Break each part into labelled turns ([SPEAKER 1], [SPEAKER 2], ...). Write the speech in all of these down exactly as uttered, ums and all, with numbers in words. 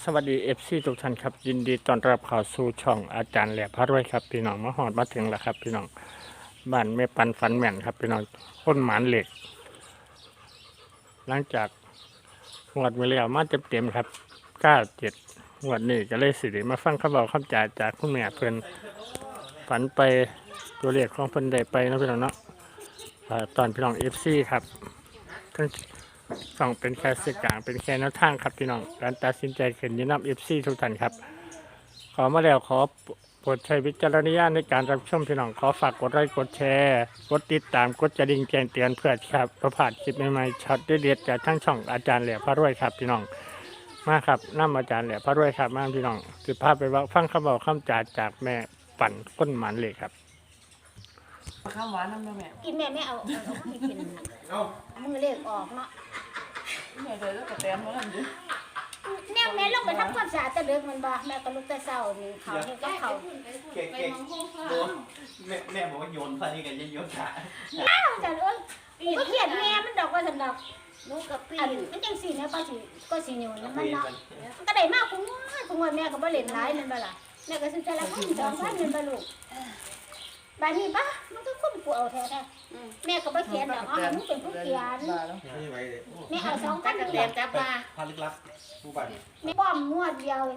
[SPEAKER 1] สวัสดีเอฟซีทุกท่านครับยินดีต้อนรับเข้าสู่ช่องอาจารย์แหลบพระรวยครับพี่น้องมาหอดมาถึงแล้วครับพี่น้องบ้านแม่ปันฝันแม่นครับพี่น้องต้นหมานเหล็ก หลังจากงวดมาแล้วมาเต็มเต็มครับเก้าเจ็ดงวดนี้ก็เลยสิริมาฟังคำบอกคำจ่าจากคุณแม่เพิ่นฝันไปตัวเลขของเพิ่นได้ไปนะพี่น้องเนาะตอนพี่น้องเอฟซีครับทั้งสองเป็นแค่สื่อกลางเป็นแค่แนวทางครับพี่น้องการตัดสินใจขึ้นอยินนับเอฟซีทุกท่านครับขอมาแล้วขอโปรดใช้วิจารณญาณในการรับชมพี่น้องขอฝากกดไลค์กดแชร์กดติดตามกดกระดิ่งแจ้งเตือนเพื่อครับประพลาดคลิปใหม่ๆช็อตเด็ดๆจากทั้งช่องอาจารย์แหลมพระรวยครับพี่น้องมาครับน้ำอาจารย์แหลมพระรวยครับมาพี่น้องสืบภาพไปว่าฟังคำบอกคำจ่าจากแม่ปั่นก้นหมันเหล็กครับ
[SPEAKER 2] ข้าวหวานน้ำแม่
[SPEAKER 3] กินแม่ไม่เอาเอาเอาไม่กิน
[SPEAKER 2] เอ้า
[SPEAKER 3] มือเล็กออกเนาะ
[SPEAKER 2] แม่เดินแล้วก็แต้มมาแล้วดิ
[SPEAKER 3] แม่แม่ลงไปทำความสะอาดตะเลิกมันบ่แม่ก็ลุกแต่เช้านี่เขาเฮ็ดกับเขา
[SPEAKER 4] เก่งเก่งโดนแม่แม่บอกว่าโยนพอดีกันยังโยนขา
[SPEAKER 3] อ้าวจันเอ้ยก็เขียนแม่มันดอกว่าสันดอก
[SPEAKER 2] ลูกกับปี
[SPEAKER 3] อัน
[SPEAKER 2] น
[SPEAKER 3] มันจังสี่เนี่ยก็สิก็สิอยู่มันเนาะมันก็ได้มากคุงว่าคุงว่าแม่ก็บ่เล่นหลายนั่นบ่ล่ะแม่ก็ซื้อแต่ละพันสองพันนั่นบ่ลูกบาดนี้ปะมันก็คุ้มกูเอาแท้ๆแม่ก็บ่เขียนดอกเอาให้มึงเป็นผู้เขียน
[SPEAKER 4] ไม่ไหวเลย
[SPEAKER 3] แม่เอาสองพัน
[SPEAKER 2] กระ
[SPEAKER 3] นี่
[SPEAKER 2] เต
[SPEAKER 3] แห
[SPEAKER 2] ม
[SPEAKER 3] ละ
[SPEAKER 2] จับปลา
[SPEAKER 4] พาลึกลับผู้บัตร
[SPEAKER 3] แม่ป้อมงวดเดียว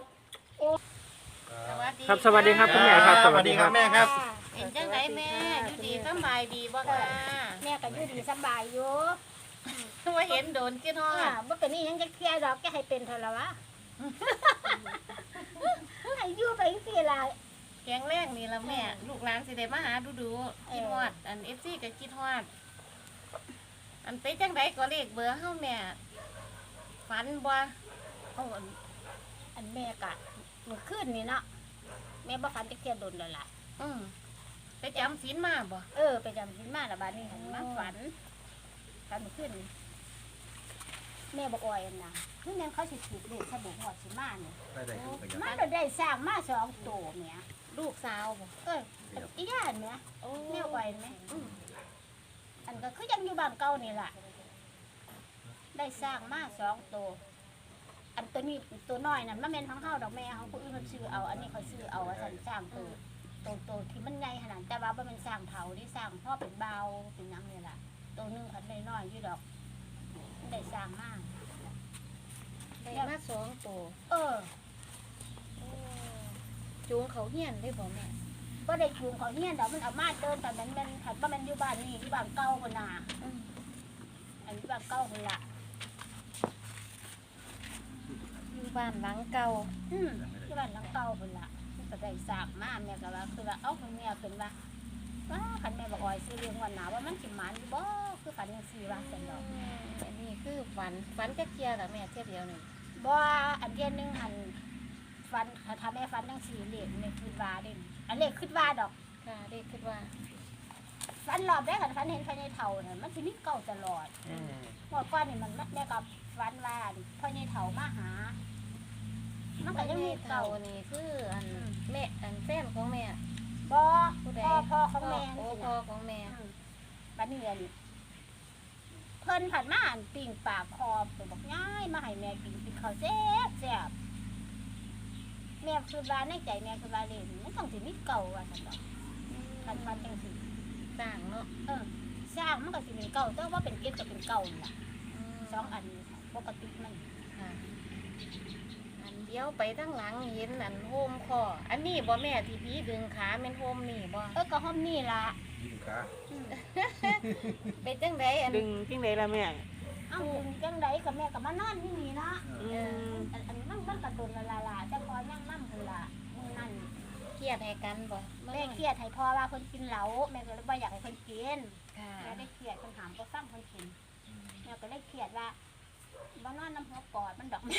[SPEAKER 1] ครับสวัสดีครับคุณแม่ครับ
[SPEAKER 4] สวัสดีครับแม่ครับ
[SPEAKER 5] เป็นจังไดแม่อยู่ดีสำบายดีบ่ค่ะ
[SPEAKER 3] แม่ก็อยู่ดีสบายอยู่
[SPEAKER 5] ว่าเห็นโดนกินฮอ
[SPEAKER 3] อ่า
[SPEAKER 5] ด
[SPEAKER 3] บ่เป็นนี่ยังจะเคลียร์ดอกแกให้เป็นเท่าละวะ ให้อยู่ไปจังซี่ล่ะ
[SPEAKER 5] แกงแรกนี่ละแม่ ลูกหลานสิได้มาหาดูดูๆคิดฮอด อัน เอฟ ซี ก็คิดฮอด อันไปจังไดก็เลขเบอร์เฮาแม่ฝันบ่
[SPEAKER 3] เอาอันอันแม่กะเมื่อคืนนี่เนาะแม่บ่ฝันจะเคลียร์ดนแล้วล่ะ
[SPEAKER 5] อืมไปจำศีลมาบ่
[SPEAKER 3] เออไปจำศีลมาและบาดนี้หันมาฝันฝันเมื่อคืนนี่แม่บอกอ่อยอันน่ะคือแม่นเขาสิถูกเลขสบู่หอดสิมาเนี่ย
[SPEAKER 4] ได้ได้ถูกกัน
[SPEAKER 3] มันก็ได้สร้างมาสองตัวแหม่
[SPEAKER 5] ลูกสาวบ่
[SPEAKER 3] เอ้ยอันอีย่านแหม่
[SPEAKER 5] โอ้
[SPEAKER 3] แม่อ่อยแหม่อืมอันก็คือยังอยู่บ้านเก่านี่ล่ะ ได้สร้างมาสองตัว อันตัวนี้ตัวน้อยนั่นมันเป็นของเฮาดอกแม่เขาผู้อื่นเขาซื้อเอา อันนี้เขาซื้อเอาว่าสันสร้างตัวตัวตัวที่มันใหญ่ขนาดแต่ว่าบ่แมันสร้างเผาที่สร้างพ่อเป็นเบาเป็นหยังนี่ล่ะตัวหนึงคันน้อยๆอยู่ดอกมันได้สร้างมาก
[SPEAKER 5] ได้มาสองตัว
[SPEAKER 3] เออ
[SPEAKER 5] จูงเขาเฮียนได้บ่แม่
[SPEAKER 3] บ่ได้จูงเขาเฮียนดอกมันเอามาเดินแต่มันมันคันบ่แมันอยู่บ้านนี่อยู่บ้านเก่าพุ่นน่ะ
[SPEAKER 5] อืม
[SPEAKER 3] อันอยู่บ้านเก่าพุ่นล่ะ
[SPEAKER 5] อยู่บ้านหลังเก่า
[SPEAKER 3] อืมอยู่บ้านหลังเก่าพุ่นล่ะมันก็ได้สร้างมาแม่ก็ว่าคือว่าเอ้าเพิ่นแม่เพิ่นว่าว่าคันแม่บอกอ่อยซื้อเลี้ยงวันหนาว่ามันสิหมานอยู่บ่คือฝันจังซี่ว่าซั่นดอก
[SPEAKER 5] อืมอันนี้คือฝันฝันจะเคลียร์ล่ะแม่เทียบเดียวนี่
[SPEAKER 3] บ่อันเดียวหนึงหันฟันถ้าแม่ฟันจังสี่เลขนี่คือว่าเด่นอันเลขคือว่าดอก
[SPEAKER 5] ค่ะเด็กคิดว่า
[SPEAKER 3] ฟันรอบแรกหันฟันเห็นภายในเท่าน่ะมันสิมีเก่าตลอดหมดก้อนนี่มันแม่กับฟันว่าภายในเท่ามาหา มันก็ยังมี
[SPEAKER 5] เท่า
[SPEAKER 3] เก่า
[SPEAKER 5] นี่คืออันแม่อันแฟนของแม่
[SPEAKER 3] บ่
[SPEAKER 5] ผู้ใด
[SPEAKER 3] พ่อพ่อของแม่
[SPEAKER 5] โอ้
[SPEAKER 3] นี่
[SPEAKER 5] พ่อ
[SPEAKER 3] นะ
[SPEAKER 5] ของแม่
[SPEAKER 3] บัดนี้อันเพิ่นผัดมาอันปิ่งปากคอไปบอกง่ายมาให้แม่กินกินข้าวแซ่บแซ่บแม่คือว่าในใจแม่คือว่าเล่นมันต้องสิมีเก่าว่าซั่นดอกคันฟันจังซี่
[SPEAKER 5] ต่างเนาะ
[SPEAKER 3] เออสร้างมันก็สิเป็นเก่าแต่ว่าเป็นเก็ดก็เป็นเก่านี่ล่ะ
[SPEAKER 5] ม
[SPEAKER 3] สองอันนี้ปกติมัน
[SPEAKER 5] ค่ะอันเดียวไปทั้งหลังเห็นอันโฮมคออันนี้บ่แม่ที่พี่ดึงขาเป็นโฮมนี่บ่
[SPEAKER 3] เออก็ห้อมนี่ล่ะ
[SPEAKER 4] ยิงขา
[SPEAKER 5] เป็นจังไดอัน
[SPEAKER 2] ดึงทิ้งไหนล่ะแม่
[SPEAKER 3] เอ้าดึงจังไดกับแม่ก็มานอนที่นี่เนาะ
[SPEAKER 2] อืม
[SPEAKER 3] อันอันมันมันก็โดนละละละแต่พอยังมั่มพุ่นล่ะมื้อนั้น
[SPEAKER 5] เครียดให้กันบ่
[SPEAKER 3] แม่เครียดให้พ่อว่าเพิ่นกินเหล้าแม่ก็เลยบ่อยากให้เพิ่นกิน
[SPEAKER 5] ค่ะ
[SPEAKER 3] แม่ได้เครียดเพิ่นถามบ่ฟังเพิ่นกินแม่ก็เลยเครียดว่าบ่นอนน้ำหัวปอดมันดอก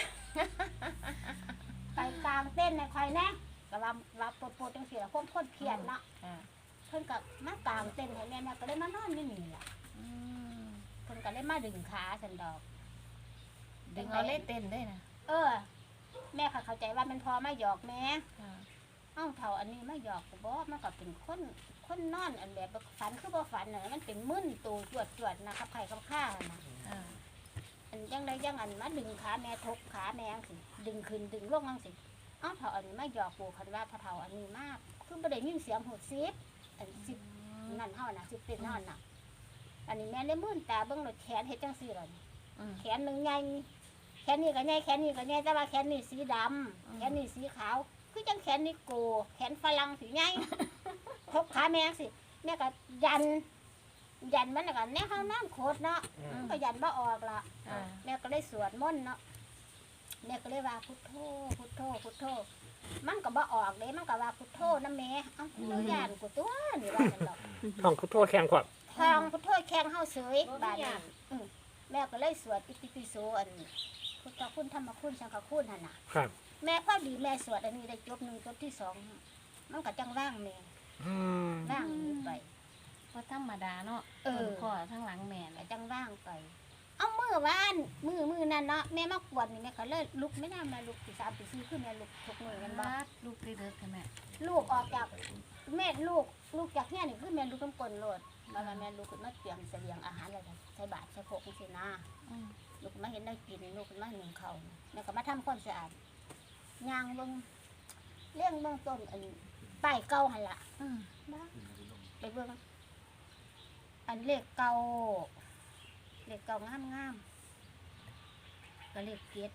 [SPEAKER 3] ไปกลางเต้นในใครแน่ก็ว่าว่าปวดๆจังซี่ล่ะคนคนเครียดเนาะ
[SPEAKER 5] ค่ะ
[SPEAKER 3] เพิ่นก็มากลางเต้นให้แม่แม่ก็เลยมานอนอยู่นี่ล่ะ
[SPEAKER 5] อืม
[SPEAKER 3] เพิ่นก็เลยมาดึงขาสันดอก
[SPEAKER 5] ดึงเอาเล่เต้นด้วยนะ
[SPEAKER 3] เออ แม่ค่ะเข้าใจว่ามันพอมาหยอกแม่
[SPEAKER 5] ค่ะ
[SPEAKER 3] เอ้าเท่าอันนี้มาหยอกก็บ่มันก็เป็นคนคนนอนอันแบบฝันคือบ่ฝันน่ะมันเป็นมึนตูจวดจวดๆนะครับไข่กับข้าน่ะ
[SPEAKER 5] อ่า
[SPEAKER 3] อันยังได้ยังอันมาดึงขาแม่ทกขาแม่จังสิดึงขึ้นดึงลงจังสิเอ้าเฒ่าอันนี้มาหยอกปูคันว่าพระเฒ่าอันนี้มากคือบ่ได้ยินเสียงหูซิบอันซิบนั่นเฮาน่ะซิบเป็นเฮาน่ะอันนี้แม่เลยมื่นตาเบิ่งรถแขนเฮ็ดจังซี่ล่ะนี่
[SPEAKER 5] อืม
[SPEAKER 3] แขนหนึงใหญ่แขนนี้ก็ใหญ่แขนนี้ก็ใหญ่แต่ว่าแขนนี้สีดำ
[SPEAKER 5] อืม
[SPEAKER 3] แขนนี้สีขาวคือจังแขนนี้โกแขนฝรั่งสีใหญ่ ทกขาแม่จังสิแม่ก็ยัน ยันมันน่ะก็แน่เฮาน้ำโคตรเนาะมันก็ยันบ่ออกล่ะ
[SPEAKER 5] อ่า
[SPEAKER 3] แม่ก็เลยสวดมนต์เนาะแม่ก็เลยว่าพุทโธพุทโธพุทโธมันก็บ่ออกเลยมันก็ว่าพุทโธนะแม่เอ้าเจ้าย่านกูตัวนี่ว่าจังดอก
[SPEAKER 1] ท่องพุทโธแข็งขวบ
[SPEAKER 3] ทางพุทโธแข็งเฮาเสยบาดนี้อืมแม่ก็เลยสวดอิติปิโสอันพุทธคุณธรรมคุณสังฆคุณหั่นน่ะ
[SPEAKER 1] ครับ
[SPEAKER 3] แม่พอดีแม่สวดอันนี้ได้จบหนึ่งจบที่สองมันก็จังว่างแม่
[SPEAKER 1] อืม
[SPEAKER 3] ว่างนี้ไป
[SPEAKER 5] ก็ธรรมดาเนาะ
[SPEAKER 3] เออ
[SPEAKER 5] ข้อทั้งหลังแม่
[SPEAKER 3] ก็
[SPEAKER 5] น่ะ
[SPEAKER 3] จังว่างไป เอามือวานมือมือนั่นเนาะแม่มากวนนี่แม่ก็เลยลุกไม่น่าแม่ลุกตีสามตีสี่ขึ้นแม่ลุกทุกมือกันบ้า
[SPEAKER 5] บาดลูกได้เลิกค่ะแม่
[SPEAKER 3] ลูกออกจากแม่ลูกลูกจากเนี่ยนี่คือแม่ลูกน้ำกลนโลดแล้วแม่ลูกขึ้นมาเตรียมเสบียงอาหารอะไรใส่บาตรใส่โคกสินะ
[SPEAKER 5] อืม
[SPEAKER 3] ลูกมาเห็นได้กินลูกมาหนึ่งเขาวแม่ก็มาทำความสะอาดย่างเบิ่งเลี้ยงเบิ่งต้นอันป้ายเก่าหันละ
[SPEAKER 5] อืม
[SPEAKER 3] บ้าไปเบิ่งอันเลขเก่าเลขเก่างามงามๆก็เลขเจ็ด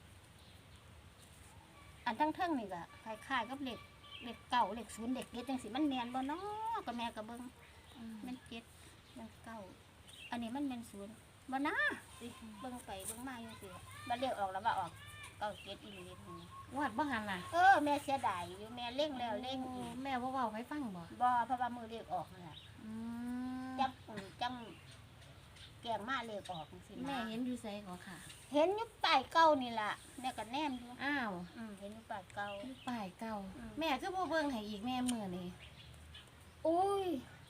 [SPEAKER 3] อันทั้งเทิงนี่ก็คล้ายๆกับเลขเลขเก่าเลขศูนย์เลขเจ็ดจังสิมันแมนบ่เนาะก็แม่ก็เบิ่ง
[SPEAKER 5] อืม
[SPEAKER 3] มันเจ็ดมันเก้าอันนี้มันเป็นศูนย์บ่นะสิเบิ่งไปเบิ่งมาอยู่สิบ่เรียกออกแล้วว่าออกเก้าเจ็ดอีหลีนี่
[SPEAKER 5] วาดบ่หันน่ะ
[SPEAKER 3] เออแม่เสียดายอยู่แม่เล่งแล้วเล่งอีก
[SPEAKER 5] แม่บ่เว้าให้ฟังบ่
[SPEAKER 3] บ่เพราะว่ามือเรียกออกนั่นแหละ
[SPEAKER 5] อืม
[SPEAKER 3] จังอืมจังแกงมาเรียกออกจังซี่
[SPEAKER 5] แม่
[SPEAKER 3] นะ
[SPEAKER 5] เห็นอยู่ไสก็ค่ะ
[SPEAKER 3] เห็นอยู่ป้ายเก่านี่ล่ะแม่ก็แนมอยู่
[SPEAKER 5] อ้าว
[SPEAKER 3] อืมเห็นอยู่ป้ายเก่า
[SPEAKER 5] อยู่ป้ายเก่า
[SPEAKER 3] อืม
[SPEAKER 5] แม่คือบ่เบิ่งให้อีกแม่มื้อนี้
[SPEAKER 3] อุ้ย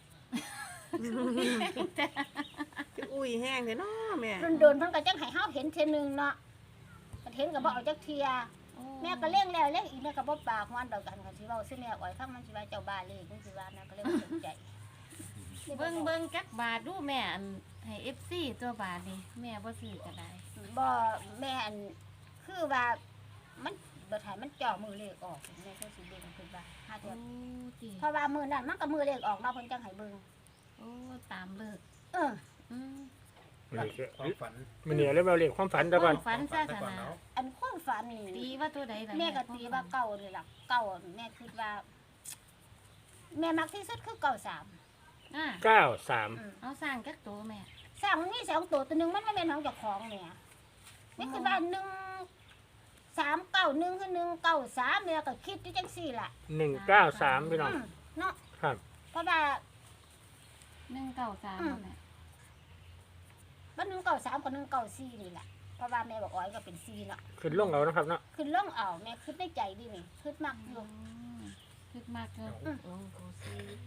[SPEAKER 2] อุ้ยแห้งเลยเนาะแม่
[SPEAKER 3] โดนๆเพิ่นก็จังให้เฮาเห็นเทื่อนึงเนาะก็เห็นก็บ่เอาจักเที่ย
[SPEAKER 5] โอ้
[SPEAKER 3] แม่ก็เลี้ยงแล้วเลี้ยงอีกแม่ก็บ่ปากมันดอกกันก็สิเว้าสิแม่อ้อยฟังมันสิว่าเจ้าบ้าเลยมันสิว่านะก็เลยบ่สนใจ
[SPEAKER 5] เบิ่งเบิ่งจักบาทดูแม่อันให้ เอฟ ซี ตัวบาทนี่แม่บ่ซื้อก็ได้
[SPEAKER 3] บ่แม่อันคือว่ามันบ่ทันมันจ่อมือเลขออกแม่ก็สิเบิ่งคือว่าหา
[SPEAKER 5] โอ้
[SPEAKER 3] เทื่อ
[SPEAKER 5] ติ
[SPEAKER 3] เพราะว่ามื้อนั้นมันก็มือเลขออกเนาะเพิ่นจังให้เบิ่ง
[SPEAKER 5] โอ้ตามเลิก
[SPEAKER 3] เออ
[SPEAKER 5] อืม
[SPEAKER 1] นี่คือ
[SPEAKER 4] ความฝัน
[SPEAKER 1] มันเนี่ยเรียกว่าเรียกความฝันแต่ก่อน
[SPEAKER 5] ฝันซะขนาด
[SPEAKER 3] อันความฝัน
[SPEAKER 5] ตี
[SPEAKER 3] นี่
[SPEAKER 5] ว่าตัวใดล่ะ
[SPEAKER 3] แม่ก็ตีว่าเก่านี่ล่ะเก่าแม่คิดว่า แม่มักที่สุดคือเก่าสาม
[SPEAKER 5] อ่า
[SPEAKER 1] เก้าสาม
[SPEAKER 3] อืม
[SPEAKER 5] เอาสร้างจักตัวแม่
[SPEAKER 3] สร้างมันมีสองตัวตัวหนึงมันบ่แม่นของเจ้าของแม่นี่คือว่าหนึ่งสามเก้าหนึ่งคือหนึ่งเก้าสามแม่ก็คิดอยู่จังซี่ล่ะ
[SPEAKER 1] หนึ่งเก้าสามพี่น้อง
[SPEAKER 3] อืมเนาะ
[SPEAKER 1] ครับ
[SPEAKER 3] เพราะว่า
[SPEAKER 5] หนึ่งเก้าสาม
[SPEAKER 3] อืม
[SPEAKER 5] แม่
[SPEAKER 3] บ้านหนึ่งเก้าสามกับหนึ่งเก้าสี่นี่แหละเพราะว่าแม่บอกอ้อยก็เป็นสี่เนาะ
[SPEAKER 1] ขึ้นลงเอานะครับเนาะ
[SPEAKER 3] คือล่องเอาแม่คิดในใจดินี่คิดมากอยู่
[SPEAKER 5] คึกมากเกิน
[SPEAKER 3] อืม
[SPEAKER 5] โอ้โหสิ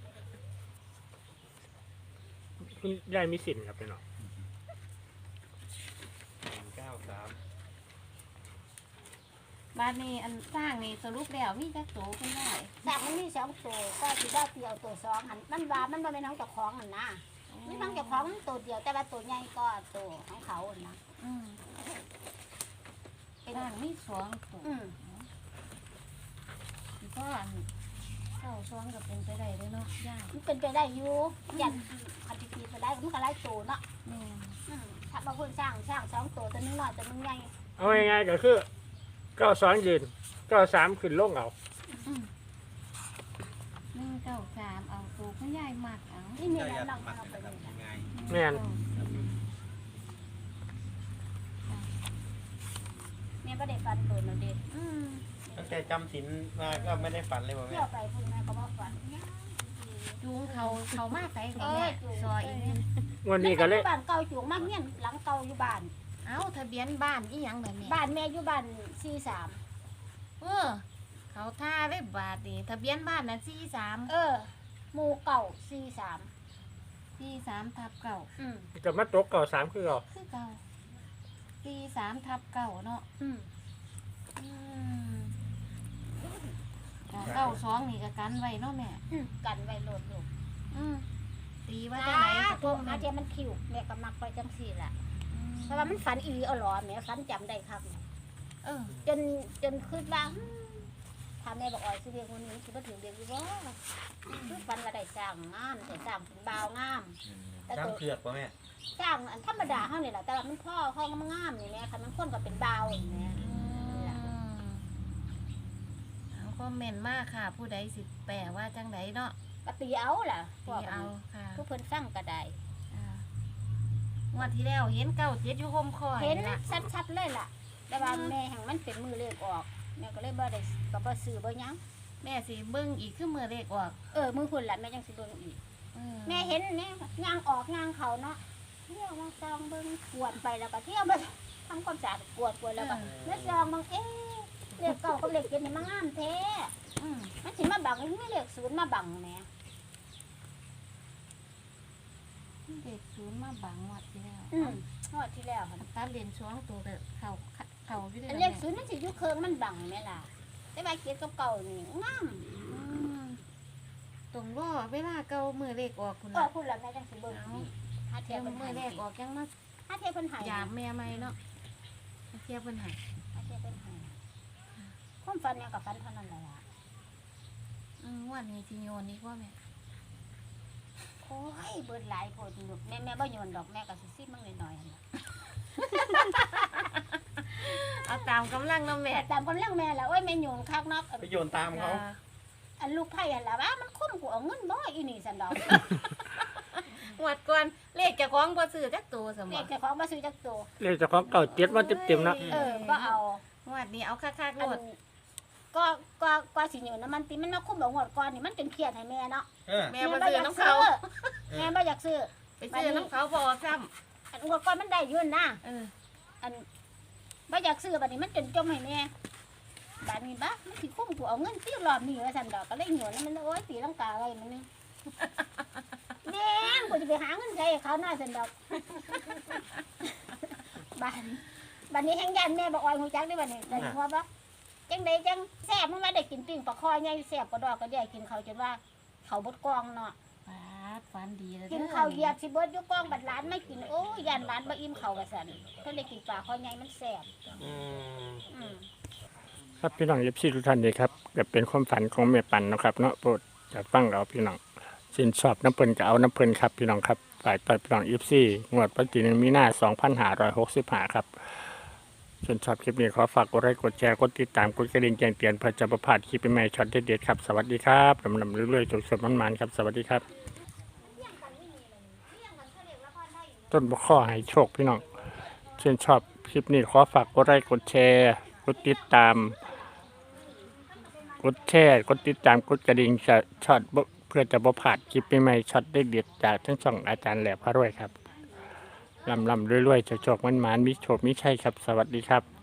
[SPEAKER 1] คุณยายมีสินครับพี่น้อง
[SPEAKER 4] หนึ่งเก้าสาม
[SPEAKER 5] บ้านนี้อันสร้างนี่สรุปแล้วมีจักตัวคุณได้
[SPEAKER 3] สากมันมีสองตัวก็สิได้เดียวตัวสองหันมันว่ามันบ่เป็นของเจ้าของหันนะมันของเจ้าของมันตัวเดียวแต่ว่าตัวใหญ่ก็ตัวของเขาหันนะ
[SPEAKER 5] อืม
[SPEAKER 3] เป็น
[SPEAKER 5] สร้างมีสองตัว
[SPEAKER 3] อืม
[SPEAKER 5] เพราะอันเข้าซ้อนก็เป็นไปได้เลยเนาะยาก
[SPEAKER 3] มันเป็นไปได้อยู่ยันอันที่ตีไปได้มันก็ไล่ตัวเนาะ
[SPEAKER 5] แม่น
[SPEAKER 3] อืมถ้ามาเพิ่นสร้างสร้างสองตัวตัวนึงน้อยตัวนึงใหญ่
[SPEAKER 1] เอาง่ายๆก็คือเก้าสองยืนเก้าสามขึ้นลงเอา
[SPEAKER 5] อืมหนึ่งเก้าสามเอาตัวคุณยายมากเอา
[SPEAKER 3] นี่นี่
[SPEAKER 4] เจ้า
[SPEAKER 3] แหละ
[SPEAKER 4] ยัด
[SPEAKER 3] น้อง
[SPEAKER 4] มัด
[SPEAKER 3] เอาไป
[SPEAKER 4] นะค
[SPEAKER 3] เล
[SPEAKER 4] รับ
[SPEAKER 3] ยนะ
[SPEAKER 4] ง่าย
[SPEAKER 1] แม่น
[SPEAKER 3] แม่ก็ได้ฟันตัวนั่นเด็
[SPEAKER 5] อืม
[SPEAKER 4] ตั้งแต่จำศีลมาก็ไม่ได้ฝันเลยว่า
[SPEAKER 3] เที่
[SPEAKER 4] แม่
[SPEAKER 3] ยวไปพุ่นแม่ก็บ่ฝันยาก
[SPEAKER 5] จูงเขาเขามาใส่ของแม่ซอยอีกเนี่ย
[SPEAKER 1] วันนี้ก็เลย
[SPEAKER 3] บ้านเก่าจูงมากเงี้ยหลังเก่าอยู่บ้าน
[SPEAKER 5] เอาทะเบียนบ้านอีหยังแบบนี้
[SPEAKER 3] บ้านแม่อยู่บ้านสี่สาม
[SPEAKER 5] เออ เขาท่าได้บาทนี่ทะเบียนบ้านน่ะสี่สาม
[SPEAKER 3] เออหมู่เก่าสี่สาม
[SPEAKER 5] สี่สามทับเก่า
[SPEAKER 3] อืม
[SPEAKER 1] กับมาตกเก้าสามคือเอา
[SPEAKER 5] คือเก่าสี่สามทับเก่าเนาะ
[SPEAKER 3] อืม
[SPEAKER 5] อืมเก้าสองนี่ก็กันไว้เนาะแม่
[SPEAKER 3] อืมกันไว้โหลดลูก
[SPEAKER 5] อืมตีว่า
[SPEAKER 3] จ้า
[SPEAKER 5] จังไหนก็
[SPEAKER 3] ตั
[SPEAKER 5] ต้
[SPEAKER 3] ว
[SPEAKER 5] อง
[SPEAKER 3] อาเทียมันคิวแม่ก็มักไปจังสี่แหละ
[SPEAKER 5] อืม
[SPEAKER 3] เพราะว่ามันฝันอีหลีเอาหรอแม่ฝันจำได้ครับ
[SPEAKER 5] เออ
[SPEAKER 3] จนจนคืนว่าอืมถ้าแม่บอกอ่อยสิเรียกคนนี้สิบ่ถึงเรียกอยู่บ่คือฝันว่าได้สร้างงามได้สร้างเป็นบ่าวงาม แต่
[SPEAKER 4] ช้าง
[SPEAKER 3] ตัว
[SPEAKER 4] เผือกป่ะแม่
[SPEAKER 3] สร้างอันธรรมดาเฮานี่แหละแต่ว่ามันพ่อเฮามันงามนี่แม่คันมันคนก็เป็นบ่าวนี่แม่
[SPEAKER 5] เอาคอมเมนต์มากค่ะ ผู้ใดสิแปลว่าจังไดเนาะ
[SPEAKER 3] ก็ตีเอาล่ะพ
[SPEAKER 5] ตี
[SPEAKER 3] วก
[SPEAKER 5] เอาค่ะ
[SPEAKER 3] ผู้เพิ่นฟังก็ได้
[SPEAKER 5] อ่างวดที่แล้วเห็นเก้าเจ็ดอยู่คมคอย
[SPEAKER 3] เห็น
[SPEAKER 5] ละ
[SPEAKER 3] ชัดๆเลยล่ะ แต่ว่าแม่แห่งมันเป็นมือเลขออกแม่ก็เลยบ่ได้ก็บ่ซื้อบ่หยัง
[SPEAKER 5] แม่สิเบิ่งอีกคือมือเลขออก
[SPEAKER 3] เออมือพุ่นล่ะแม่จังสิเบิ่งอีก
[SPEAKER 5] เออ
[SPEAKER 3] แม่เห็นแม่ย่างออกย่างเขาเนาะเที่ยวมาซองเบิ่งกวดไปแล้วก็เที่ยวไปทำความสะอาดกวดกวดแล้วก็แม่ซองบางเอ๊ะเลขเก้ากับเลขเจ็ดนี่มันงามแท้
[SPEAKER 5] อืม
[SPEAKER 3] มันสิมาบังไม่เลขศูนย์มาบังแหม่
[SPEAKER 5] เด็กศูนย์มาบังงวดที่แล้ว
[SPEAKER 3] อืมงวดที่แล้วค่ะ
[SPEAKER 5] ตาเรียนช่วงตัวเด็กเขาเขาอยู่ด้วย
[SPEAKER 3] อัน
[SPEAKER 5] นะ
[SPEAKER 3] เล
[SPEAKER 5] แม่
[SPEAKER 3] ขศูนย์มันสิอยู่เคิงมันบังแม่ล่ะแต่ว่าเจ็ดกับเก้านี่งาม
[SPEAKER 5] อืมตรงว่าเวลาเก่ามือเลขออกคุณ
[SPEAKER 3] เออ
[SPEAKER 5] ล่ะ
[SPEAKER 3] พูดแล้วแม่จังสิเบิ่งอีกหาเที
[SPEAKER 5] เที
[SPEAKER 3] ย
[SPEAKER 5] ย
[SPEAKER 3] บบ เพิ่น
[SPEAKER 5] มือเล
[SPEAKER 3] ให้
[SPEAKER 5] ขออกยังมา
[SPEAKER 3] หาเทียบเพิ่นให้
[SPEAKER 5] หยามแม่ไหมเนาะเทียบเพิ่นใหาย
[SPEAKER 3] หาเทียบเพิ่นให้ความฝันเนี่ยกับฝันเท่านั้นแหละล่ะ
[SPEAKER 5] อืมงวันนี้สิโยนอีกว่าแม่
[SPEAKER 3] โอ้ยเบิดหลายโพดอยู่แม่แม่บ่โยนดอกแม่ก็สิซิมั่งหน่อยๆหั่นล่ะ
[SPEAKER 5] เอาตามกำลังเนาะแม่
[SPEAKER 3] แต่ตามกำลังแม่แล้วโอ้ยแม่โยนคักเนัก
[SPEAKER 4] ไปโยนตามเขา
[SPEAKER 3] อันลูกไผ่หั่นล่ะว่ามันคุ้มกูเอาเงินบ่อีนี่ซั่นดอก
[SPEAKER 5] งวดก่อนเลขเจะคล้าของบ่ซื้อจักตัวสม
[SPEAKER 3] เล
[SPEAKER 5] บ่
[SPEAKER 3] ขเจ้าของบ่ซื้อจักตัว
[SPEAKER 1] เลขเจ้าของเก่าเจ็ดว่าเต็มๆเนาะ
[SPEAKER 3] เออก็เอา
[SPEAKER 5] งวดนี้เอาคักๆโล
[SPEAKER 3] อัน
[SPEAKER 5] ด
[SPEAKER 3] ก็ก็ก็สิโยนน้ำมันติมันมาคุ้มเอางวดก่อนนี่มันจนเครียดให้แม่เนาะ
[SPEAKER 4] เออ
[SPEAKER 5] แม่บ่ซื้อน้ำเขา
[SPEAKER 3] แม่บ่อยากซื้อ
[SPEAKER 5] ไปซื้อน้ำเขาบ่ออกซ้
[SPEAKER 3] อันงวดก่อนมันได้อยืนนะ
[SPEAKER 5] ำเออ
[SPEAKER 3] อันบ่อยากซื้อบัดนี้มันจนจมให้แม่บัดนี้บ้ามันสิคุ้มกูเอาเงินซื้อรอบนี้ว่าซั่นดอกก็เลยโยนมันโอ้ยตีลังกาอะไรมันนี่ แม่งกูจะไปหาเงินใช้ให้เขาหน้าซั่นดอก บัดบัดนี้แฮงยันแม่บอกอ้อยฮู้จักได้บัดนี้ได้หัวบ่จังไดจังแซ่บมันว่าได้กินปิ้งปลาคอใหญ่แซ่บกว่าดอกก็ได้กินเขาวจนว่าเขาบดกองเนาะ
[SPEAKER 5] ฟาดฟันดีเลย
[SPEAKER 3] กินข้าวเหยียบสิเบิดอยู่กองบัดร้านไม่กินโอ้ยยันร้านบ่อิ่มข้าวว่าซั่นเพิ่นได้กินปลาคอใหญ่มันแซ่บ
[SPEAKER 4] อืม
[SPEAKER 3] อืม
[SPEAKER 1] ครับพี่น้องเอฟซีทุกท่านเลยครับก็เป็นความฝันของแม่ปันเนาะครับเนาะโปรดจะฟังเอาพี่น้องสินชอบน้ำเพิ่นก็เอาน้ำเพิ่นครับพี่น้องครับฝ่ายต่อยพี่น้องเอฟซีงวดวันที่หนึ่งมีนาสองพันห้าร้อยหกสิบห้าครับส่วนชอบคลิปนี้ขอฝากกดไลค์กดแชร์กดติดตามกดกระดิ่งแจ้งเตือนเพื่อจะประพลาดคลิปใหม่ๆช็อตเด็ดๆครับสวัสดีครับลำลำเรื่อยๆจนสดมันๆครับสวัสดีครับ ต้นบกข้อให้โชคพี่น้องเช่นชอบคลิปนี้ขอฝากกดไลค์กดแชร์กดติดตามกดแชร์กดติดตามกดกระดิ่งจะช็อตบ่เพื่อจะบ่พลาดคลิปใหม่ๆช็อตเด็ดๆจากทั้งช่องอาจารย์แหลบพระรวยครับลำลำรวยๆโชคๆมันๆมีโชคมีชัยครับสวัสดีครับ